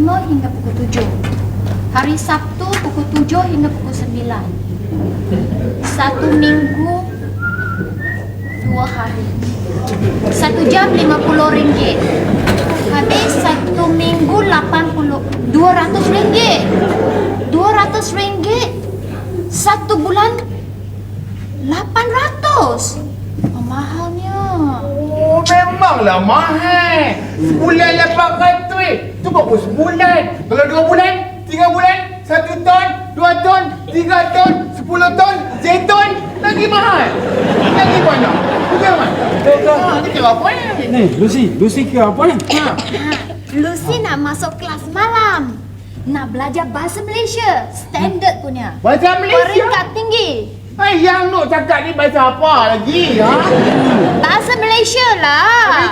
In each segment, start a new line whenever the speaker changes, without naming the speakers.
5 hingga pukul 7. Hari Sabtu pukul 7 hingga pukul 9. 1 minggu 2 hari. 1 jam RM50. Habis 1 minggu 200 ringgit. 200 ringgit. 1 bulan 800. Mahalnya.
Oh, memanglah mahal. Sebulan 800. Tu baru sebulan. Kalau 2 bulan, 3 bulan, 1 ton, 2 ton, 3 ton, 10 ton, seton, lagi mahal. Lagi banyak. Bagaimana? Ni kira apa ni?
Ni, Lucy kira apa ni?
Lucy nak masuk kelas malam. Nak belajar bahasa Malaysia. Standard punya.
Bahasa Malaysia?
Peringkat tinggi.
Yang nak cakap ni bahasa apa lagi?
Bahasa Malaysia lah.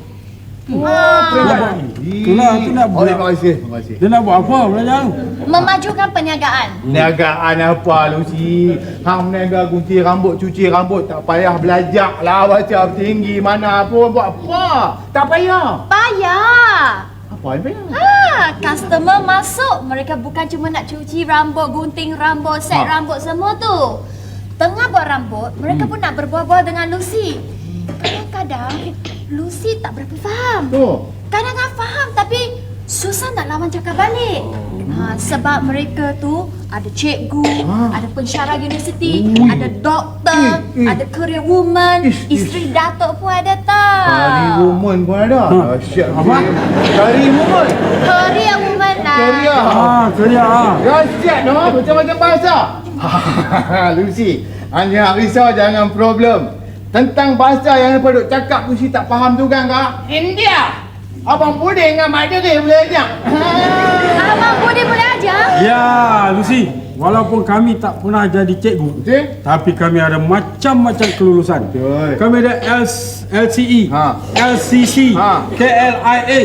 Itulah, tu nak buat.
Terima kasih.
Dia nak buat apa belajar tu?
Memajukan perniagaan.
Niagaan apa Lucy? Hang meniaga gunting rambut, cuci rambut, tak payah belajar lah baca tinggi mana pun. Buat apa? Tak payah.
Payah.
Apa yang payah?
Customer masuk, mereka bukan cuma nak cuci rambut, gunting rambut, set rambut semua tu. Tengah buat rambut, mereka pun nak berbual-bual dengan Lucy. Kadang-kadang Lucy tak berapa faham. Kadang-kadang faham tapi susah nak lawan cakap balik. Sebab mereka tu ada cikgu, ada pensyarah universiti, ada doktor, ada career woman, isteri datuk pun ada tak?
Career woman pun ada? Dahsyat. Apa? Career woman?
Career woman lah.
Career. Dahsyat no? Macam-macam bahasa. Lucy, hanya risau jangan problem. Tentang bahasa yang lepas duk cakap Lucy tak faham tu kan kak? India. Abang Buding dengan Mak Diri boleh ajar.
Abang Buding boleh ajar?
Ya, Lucy. Walaupun kami tak pernah jadi cikgu, tapi kami ada macam-macam kelulusan. Kami ada LCE, LCC, KLIA.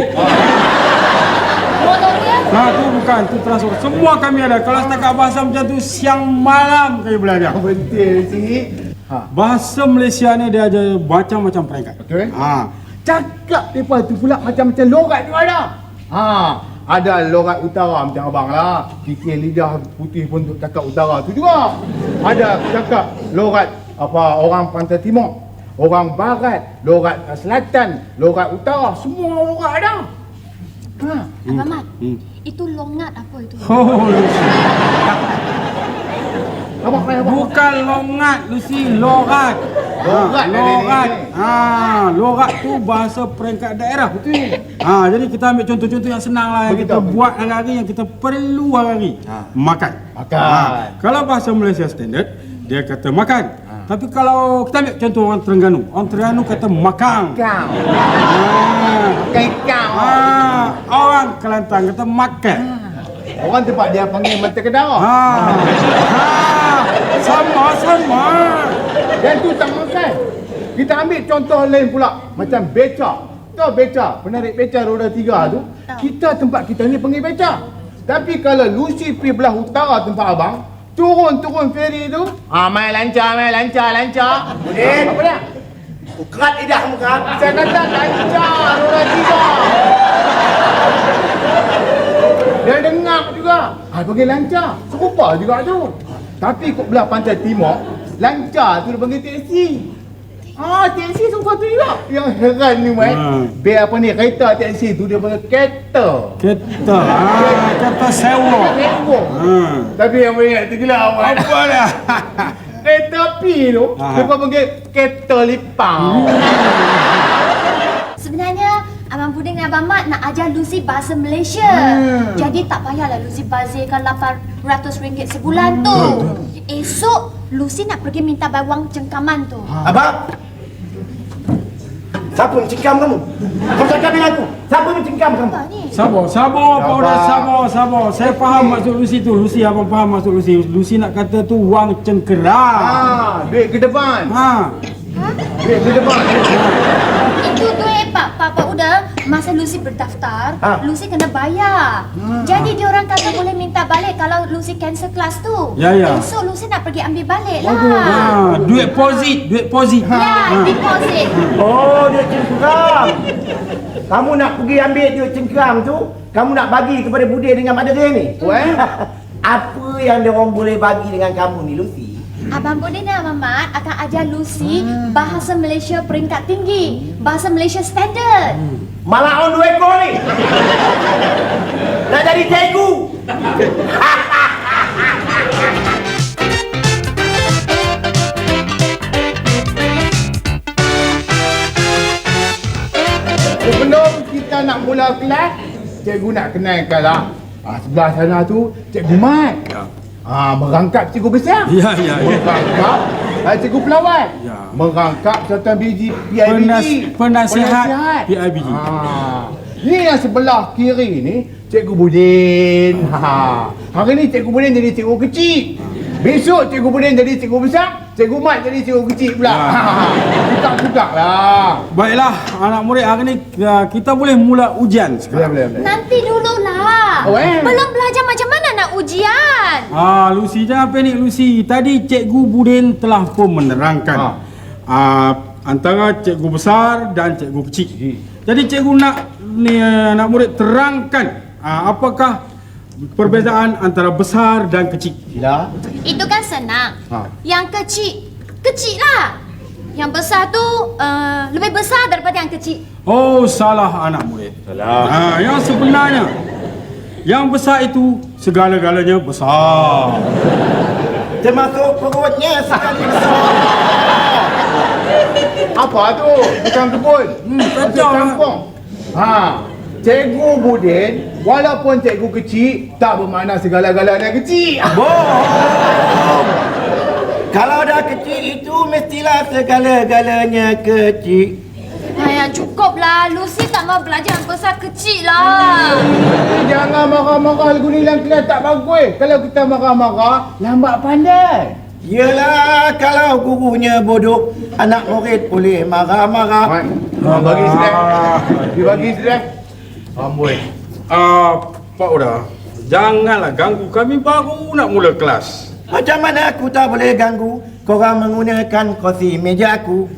Tu bukan, tu transfer. Semua kami ada. Kalau setakat bahasa macam tu, siang malam kami belajar.
Betul sih.
Bahasa Malaysia ni dia ada macam-macam peringkat.
Betul. Cakap lepas tu pula macam-macam logat tu ada. Ada logat utara macam abang lah. Kikir lidah putih pun untuk cakap utara tu juga. Ada cakap logat apa orang pantai timur, orang barat, logat selatan, logat utara, semua logat ada.
Abang Mat, itu longat apa itu?
Bukan longat, Lucy, logat. Logat. Logat tu bahasa peringkat daerah. Betul. Jadi kita ambil contoh-contoh yang senang lah yang kita buat hari-hari, yang kita perlu hari-hari. Makan. Kalau bahasa Malaysia standard, dia kata makan. Tapi kalau kita ambil contoh orang Terengganu kata makang. Orang Kelantan kata makan.
Orang tempat dia panggil mata kedara.
Sama.
Dan tu tak makan. Kita ambil contoh lain pula. Macam beca. Tahu beca? Penarik beca roda 3 tu. Kita tempat kita ni panggil beca. Tapi kalau Lucy pergi belah utara tempat abang, turun feri tu. Main lancar. Apa dia?
Kerat lidah muka.
Saya kata lancar roda 3. Dia dengar juga. Panggil lancar. Serupa juga tu. Tapi kok belah pantai timur, lancar tu dia panggil teksi. Teksi serupa tu juga. Yang heran ni biar apa ni, kereta teksi tu dia panggil kereta.
Kereta sewa.
Tapi yang banyak tu gila awak.
Apa dah?
Kereta api tu, dia panggil kereta lipang.
Sebenarnya Abang Buding dan Abang Mat nak ajar Lucy bahasa Malaysia. Jadi tak payahlah Lucy bazirkan RM800 sebulan tu. Esok Lucy nak pergi minta bawang cengkaman tu.
Abang, siapa mencengkam kamu? Kau cakap dengan aku. Siapa mencengkam kamu?
Sabar. Saya faham maksud Lucy tu. Lucy, abang faham maksud Lucy. Lucy nak kata tu wang cengkeram.
Duit ke depan. Duit ke depan.
Itu duit Pak Uda masa Lucy berdaftar,
Ha.
Lucy kena bayar. Jadi dia orang kata boleh minta balik kalau Lucy cancel kelas tu.
Ya, ya.
Esok Lucy nak pergi ambil balik lah.
Duit deposit.
Ya, deposit.
Oh, duit cengkeram. Kamu nak pergi ambil duit cengkeram tu, kamu nak bagi kepada Budin dengan Mak Dering ni?
Well.
Apa yang dia orang boleh bagi dengan kamu ni, Lucy?
Abang Budin dan Abang Mat akan ajar Lucy bahasa Malaysia peringkat tinggi, bahasa Malaysia standard.
Malah on 2 ekor ni. Nak jadi cikgu.
Sebelum kita nak mula kelas, cikgu nak kenalkan lah. Sebelah sana tu Cikgu Mat. Merangkap cikgu besar.
Ya.
Merangkap cikgu pelawat.
Ya.
Merangkap serta biji PIBG.
Penasihat PIBG.
Ni yang sebelah kiri ni Cikgu Budin. Hari ni Cikgu Budin jadi cikgu kecil. Besok Cikgu Budin jadi cikgu besar, Cikgu Mat jadi cikgu kecil pula. Tukar-tukar lah.
Baiklah, anak murid, hari ni kita boleh mula ujian sekarang.
Boleh.
Nanti dululah. Belum belajar macam mana nak ujian.
Lucy, jangan panik Lucy. Tadi Cikgu Budin telah pun menerangkan antara cikgu besar dan cikgu kecil. Jadi cikgu nak anak murid terangkan apakah perbezaan antara besar dan kecil.
Sila.
Itu kan senang.
Ha.
Yang kecil lah. Yang besar tu lebih besar daripada yang kecil.
Oh, salah anak murid.
Salah.
Yang sebenarnya, yang besar itu segala-galanya besar.
Termasuk perutnya sekali besar.
Apa tu? Bukan kebun.
Kacau lah.
Kampung. Cikgu Budin, walaupun cikgu kecil, tak bermakna segala-galanya kecil.
Bohong. Kalau dah kecil itu mestilah segala-galanya kecil.
Cukup lah. Lucy tak mau belajar yang besar kecil lah.
Jangan marah-marah lagu ni dalam kelas, tak bagus. Kalau kita marah-marah, lambat pandai.
Yelah, kalau gurunya bodoh, anak murid boleh marah-marah.
Bagi sedek. Dia bagi sedek. Amboi.
Pak Uda, janganlah ganggu kami, baru nak mula kelas.
Macam mana aku tak boleh ganggu korang menggunakan kursi meja aku?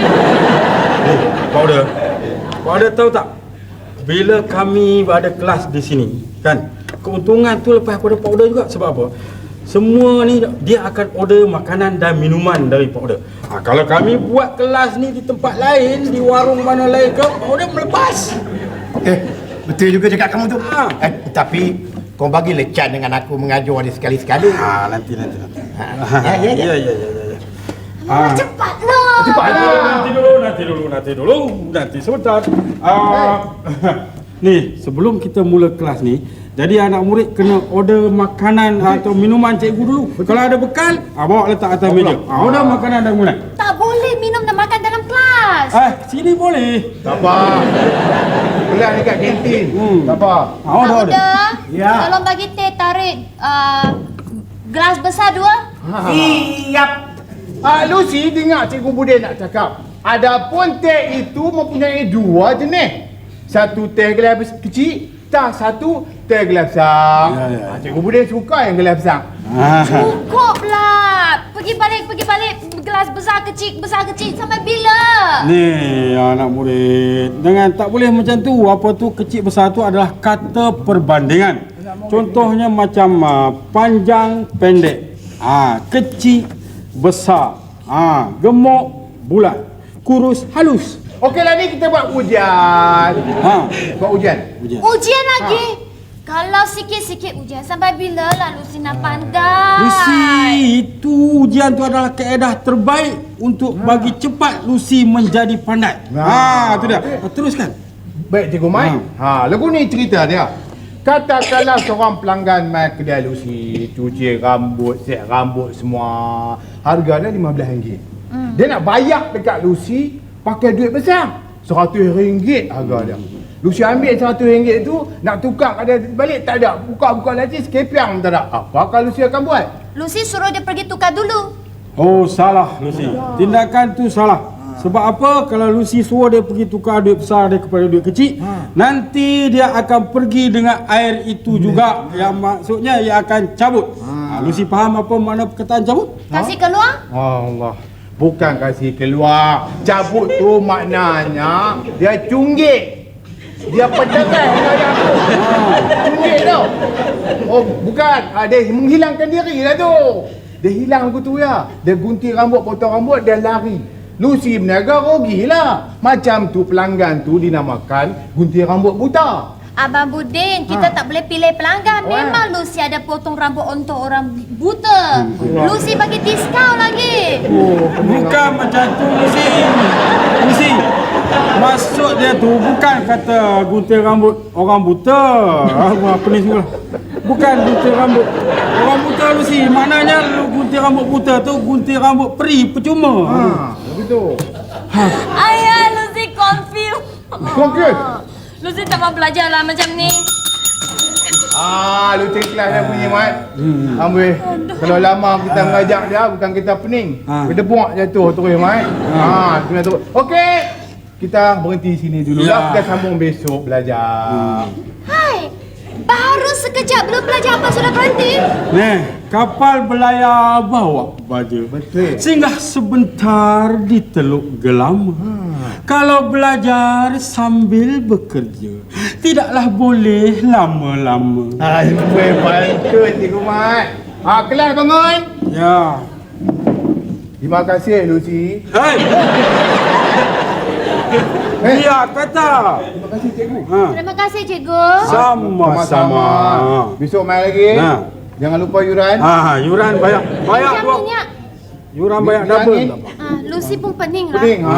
Pak Uda tahu tak? Bila kami ada kelas di sini, kan? Keuntungan tu lepas pada Pak Uda juga. Sebab apa? Semua ni dia akan order makanan dan minuman dari Pak Uda. Kalau kami buat kelas ni di tempat lain, di warung mana lain ke, Pak Uda melepas.
Betul juga cakap kamu tu.
Ha.
Tapi kau bagi lecan dengan aku mengajar dia sekali-sekali.
Nanti.
Ya.
Cepatlah.
Nanti dulu. Nanti sebentar. Ni, sebelum kita mula kelas ni, jadi anak murid kena order makanan atau minuman cikgu dulu. Kalau ada bekal, bawa letak atas meja. Order makanan dan minuman.
Tak boleh minum dan makan dalam kelas.
Sini boleh.
Tak apa. Kelas dekat kantin. Tak apa.
Order.
Udah.
Ya.
Tolong bagi teh tarik gelas besar 2.
Siap.
Lucy dengar Cikgu Budin nak cakap. Adapun teh itu mempunyai 2 jenis. Satu teh gelas kecil, satu teh gelas besar.
Ya.
Cikgu Budin suka yang gelas besar.
Cukuplah. Pergi balik gelas besar kecil sampai bila?
Ni anak murid, jangan, tak boleh macam tu. Apa tu kecil besar tu adalah kata perbandingan. Contohnya macam panjang pendek, kecil besar, gemuk bulat, kurus halus.
Okeylah, ni kita buat ujian. Buat ujian.
Ujian lagi? Kalau sikit-sikit ujian, sampai bila lah Lucy nak pandai?
Lucy, itu ujian tu adalah kaedah terbaik untuk bagi cepat Lucy menjadi pandai. Itu dia. Teruskan.
Baik Cikgu Mai. Lagu ni cerita dia. Katakanlah seorang pelanggan mai kedai Lucy, cuci rambut, set rambut semua. Harga dia RM15. Dia nak bayar dekat Lucy pakai duit besar. RM100 harga dia. Lucy ambil RM100 tu, nak tukar kat dia balik, tak ada. Buka-buka laci, sekepiang tak ada. Apakah Lucy akan buat?
Lucy suruh dia pergi tukar dulu.
Oh, salah Lucy. Tindakan tu salah. Sebab apa? Kalau Lucy suruh dia pergi tukar duit besar dia kepada duit kecil, nanti dia akan pergi dengan air itu juga. Yang maksudnya ia akan cabut. Lucy faham apa makna perkataan cabut?
Kasih keluar?
Allah. Bukan kasih keluar. Cabut tu maknanya dia cunggit. Dia pedangan dengan aku. Cunggit tau. Oh, bukan. Dia menghilangkan diri lah tu. Dia hilang aku tu ya. Dia gunting rambut, potong rambut, dia lari. Lucy berniaga rugilah. Macam tu pelanggan tu dinamakan gunting rambut buta.
Abang Budin, kita tak boleh pilih pelanggan. Memang Lucy ada potong rambut untuk orang buta. Lucy bagi diskaun lagi.
Bukan macam tu Lucy. Lucy, maksud dia tu bukan kata gunting rambut orang buta. Apa ni semua. Bukan gunting rambut orang buta Lucy. Maknanya lu gunting rambut buta tu gunting rambut peri percuma.
Begitu.
Ayah, Lucy confused.
Confused?
Lucy tak mau belajar lah macam ni.
Lu cek kelas dah punya Mat. Ambil. Kalau lama kita mengajak dia bukan kita pening. Kita buang jatuh terus Mat. Kena terus. Okey. Kita berhenti sini dulu lah. Kita sambung besok belajar.
Hai, baru sekejap belum belajar apa sudah berhenti?
Kapal berlayar bawa baja.
Betul.
Singgah sebentar di Teluk Gelam. Kalau belajar sambil bekerja, tidaklah boleh lama-lama.
Betul Cikgu Mat. Kelas bangun.
Ya.
Terima kasih Lucy.
Hei. Dia kata.
Terima kasih Cikgu.
Terima kasih, Cikgu.
Sama-sama.
Besok main lagi. Jangan lupa yuran.
Yuran banyak. Banyak
Macam
buat.
minyak.
Yuran banyak double.
Lucy pun pening lah.
Pening.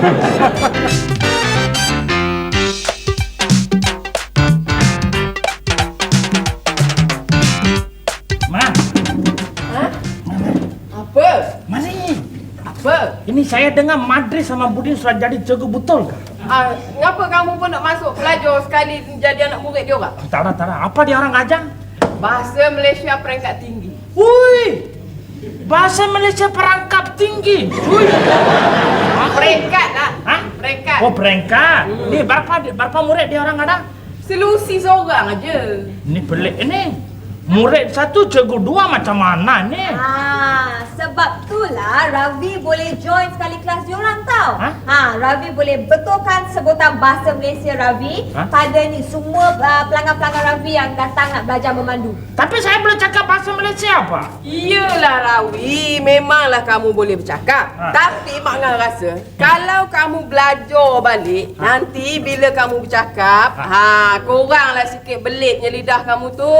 Apa?
Mari.
Apa?
Ini saya dengar Madrid sama Budin sudah jadi cikgu betul ke?
Kenapa kamu pun nak masuk pelajar sekali jadi anak murid dia orang?
Tak ada. Apa dia orang ajar?
Bahasa Malaysia peringkat tinggi.
Hui. Bahasa Malaysia perangkap tinggi. Hui.
Peringkat lah.
Hah?
Peringkat.
Oh, peringkat. Ni berapa murid dia orang ada?
Selusi seorang aja.
Ni pelik ni. Murid satu, cikgu dua macam mana ni?
Sebab itulah Ravi boleh join sekali kelas diorang tau.
Ha?
Ravi boleh betulkan sebutan bahasa Malaysia Ravi pada ni semua pelanggan-pelanggan Ravi yang datang nak belajar memandu.
Tapi saya boleh cakap bahasa Malaysia apa?
Iyalah Rawi, memanglah kamu boleh bercakap. Tapi Mak Ngah rasa kalau kamu belajar balik, nanti bila kamu bercakap, koranglah sikit belitnya lidah kamu tu.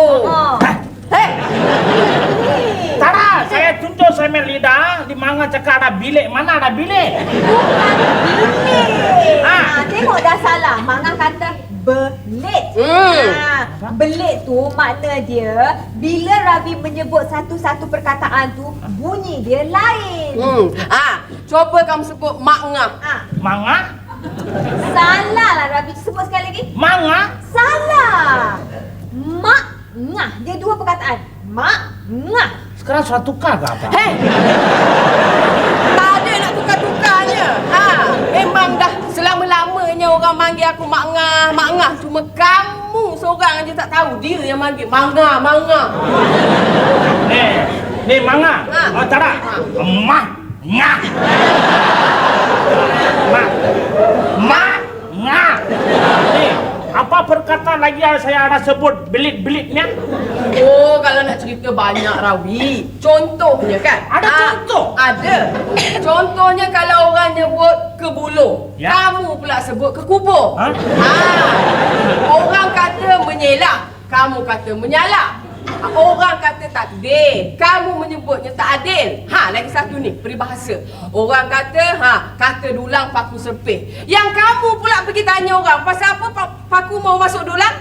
Tak ada, saya tunjuk saya main lidah di mana cakap ada bilik, mana ada bilik?
Bukan bilik. Tengok dah salah. Mangah kata belit. Belit tu makna dia bila Ravi menyebut satu-satu perkataan tu bunyi dia lain.
Coba kamu sebut Mak Ngah.
Manga?
Salah lah Ravi. Sebut sekali lagi.
Manga?
Salah. Mak ngah. Dia dua perkataan. Mak ngah.
Sekarang sudah tukar ke apa?
Hei! Tak ada nak tukar-tukarnya. Memang dah selama-lamanya orang manggil aku Mak Ngah, Mak Ngah. Cuma kamu seorang aja tak tahu dia yang manggil Mangah, Mangah.
Ni Manga. Oh, tak ada. Mak Ngah. Mak Ngah. Ni, apa perkataan lagi yang saya ada sebut belit-belitnya?
Oh, kalau nak cerita banyak Rawi. Contohnya kan?
Ada contoh?
Ada. Contohnya kalau orang nyebut ke buluh,
Ya.
kamu pula sebut ke kubur.
Ha?
Orang kata menyelak, kamu kata menyalak. Orang kata takdir, kamu menyebutnya tak adil. Lagi satu ni, peribahasa. Orang kata, kata dulang paku serpih. Yang kamu pula pergi tanya orang, pasal apa paku mau masuk dulang?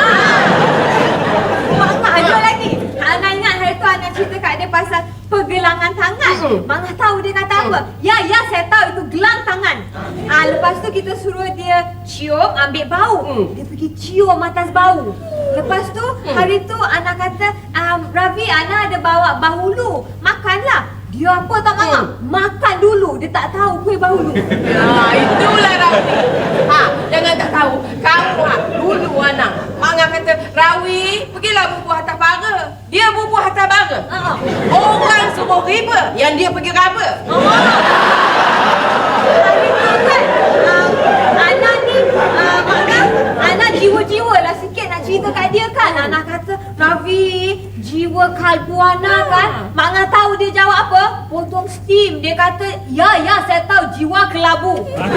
Mak ada lagi. Ana ingat hari tu Ana cerita kat dia pasal pergelangan tangan. Mangah tahu dia kata apa? Ya, saya tahu itu gelang tangan. Lepas tu kita suruh dia cium, ambil bau. Dia pergi cium atas bau. Lepas tu hari tu Ana kata, Ravi, Ana ada bawa bahulu. Makanlah. Dia apa tak Mama? Makan dulu, dia tak tahu kuih bahulu.
Ya, itulah Rawi. Jangan tak tahu. Kamu dulu anak. Manga kata, Rawi, pergilah bubuh atas bara. Dia bubuh atas bara. Orang semua riba, yang dia pergi raba.
Anak ni, Anak jiwa-jiwa lah sikit nak cerita kat dia kan. Anak kata, Ravi, jiwa kalbu anak kan. Mak Ngah tahu dia jawab apa? Potong steam. Dia kata, ya, saya tahu jiwa kelabu.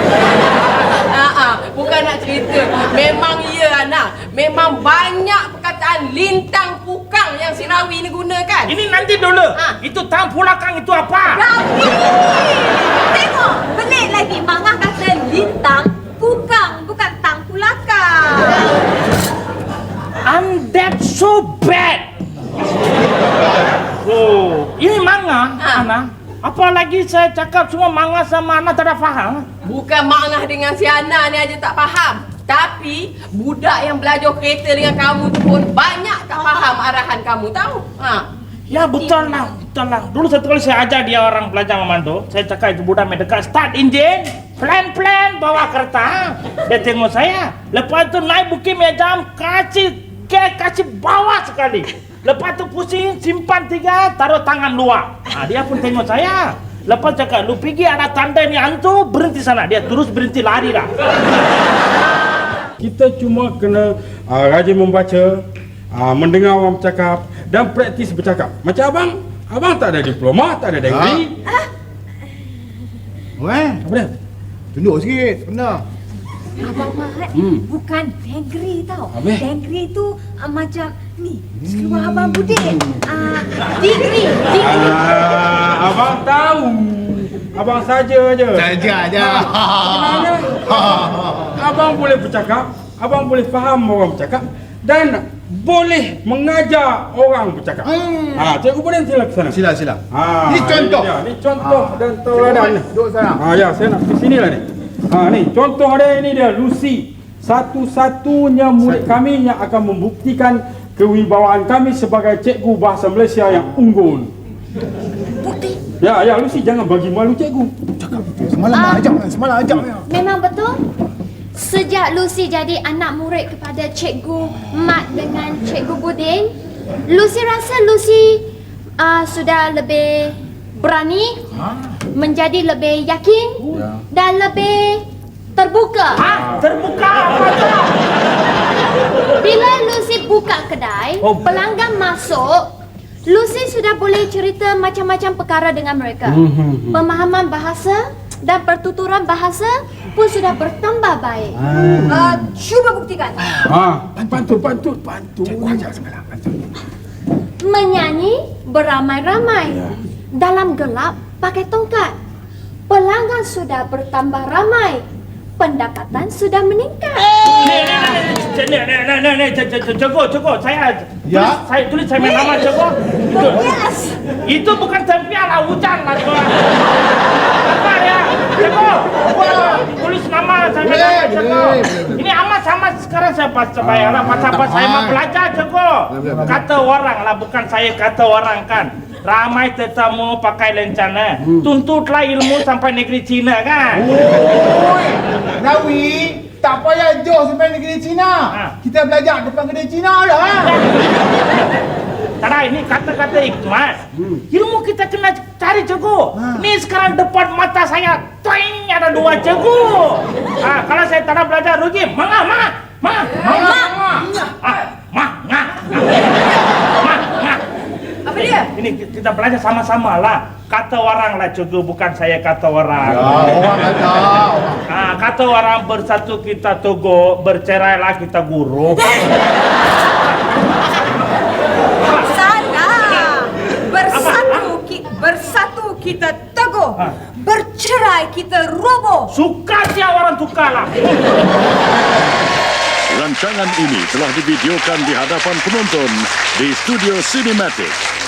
Bukan nak cerita. Memang ya anak. Memang banyak perkataan lintang pukang yang si Rawi ni gunakan.
Ini nanti dulu. Itu tang pulakang itu apa?
Ravi! Tengok, pelik lagi. Mak Ngah kata lintang pukang, bukan tang pulakang.
And that's so bad. Oh, ini manga, Ana. Apalagi saya cakap semua manga sama Ana tak ada faham.
Bukan Mak Ngah dengan si Ana ni aja tak faham. Tapi budak yang belajar kereta dengan kamu tu pun banyak tak faham arahan kamu tahu.
Ya betul lah. Dulu satu kali saya ajar dia orang belajar memandu. Saya cakap itu budak mendekat start engine, plan bawa kereta. Dia tengok saya. Lepas tu naik bukit Mejam, kasih bawah sekali. Lepas tu pusing, simpan 3, taruh tangan luar. Dia pun tengok saya. Lepas cakap, lu pergi ada tanda ni hantu, berhenti sana. Dia terus berhenti lari dah.
Kita cuma kena rajin membaca, mendengar orang bercakap dan praktis bercakap. Macam abang tak ada diploma, tak ada degree. Apa dia?
Tunjuk sikit, benar.
Abang Mahat bukan degree tau.
Habis?
Degree tu macam ni. Seluar Abang Budin. Degree.
Abang tahu. Abang saja je.
Saja aja.
Sebenarnya, abang boleh bercakap, abang boleh faham orang bercakap dan boleh mengajar orang bercakap. Cikgu boleh sila ke sana.
Sila.
Ini contoh. Ini contoh dan tauladan.
Duduk sana.
Ya, saya nak ke sini lah ni. Ni contoh dia, ini dia Lucy. Satu-satunya murid kami yang akan membuktikan kewibawaan kami sebagai cikgu bahasa Malaysia yang unggul.
Bukti.
Ya, Lucy, jangan bagi malu cikgu.
Cakap betul. Semalam ajak.
Memang betul. Sejak Lucy jadi anak murid kepada Cikgu Mat dengan Cikgu Budin, Lucy rasa Lucy sudah lebih berani, menjadi lebih yakin dan lebih terbuka.
Terbuka apa tu?
Bila Lucy buka kedai, pelanggan masuk, Lucy sudah boleh cerita macam-macam perkara dengan mereka. Pemahaman bahasa dan pertuturan bahasa pun sudah bertambah baik.
Cuba buktikan.
Pantun.
Cikgu ajak semalam.
Menyanyi beramai-ramai. Dalam gelap pakai tongkat. Pelanggan sudah bertambah ramai. Pendapatan sudah meningkat.
Cikgu, saya tulis saya main nama cikgu. Itu bukan tempian lah, hujan lah cikgu. Apa ya? Cikgu, tulis nama saya main nama cikgu. Ini amat sama sekarang saya bayar lah. Apa saya mau belajar cikgu. Kata orang lah, bukan saya kata orang kan. Ramai tetamu pakai lencana. Tuntutlah ilmu sampai negeri Cina kan.
Rawi, tak payah jauh sampai negeri Cina. Kita belajar depan kedai Cina dah.
Tara, ini kata-kata hikmat. Ilmu kita kena cari cikgu. Ni sekarang depan mata saya, toing, ada 2 cikgu. Kalau saya tak belajar rugi, mangga.
Apa dia?
Ini kita belajar sama-sama lah. Kata orang lah cikgu, bukan saya kata orang.
Orang kata.
Kata orang bersatu kita teguh, bercerailah kita guru.
Salah. Bersatu kita teguh. Bercerai kita roboh.
Suka dia orang tukar lah.
Rancangan ini telah divideokan di hadapan penonton di Studio Cinematic.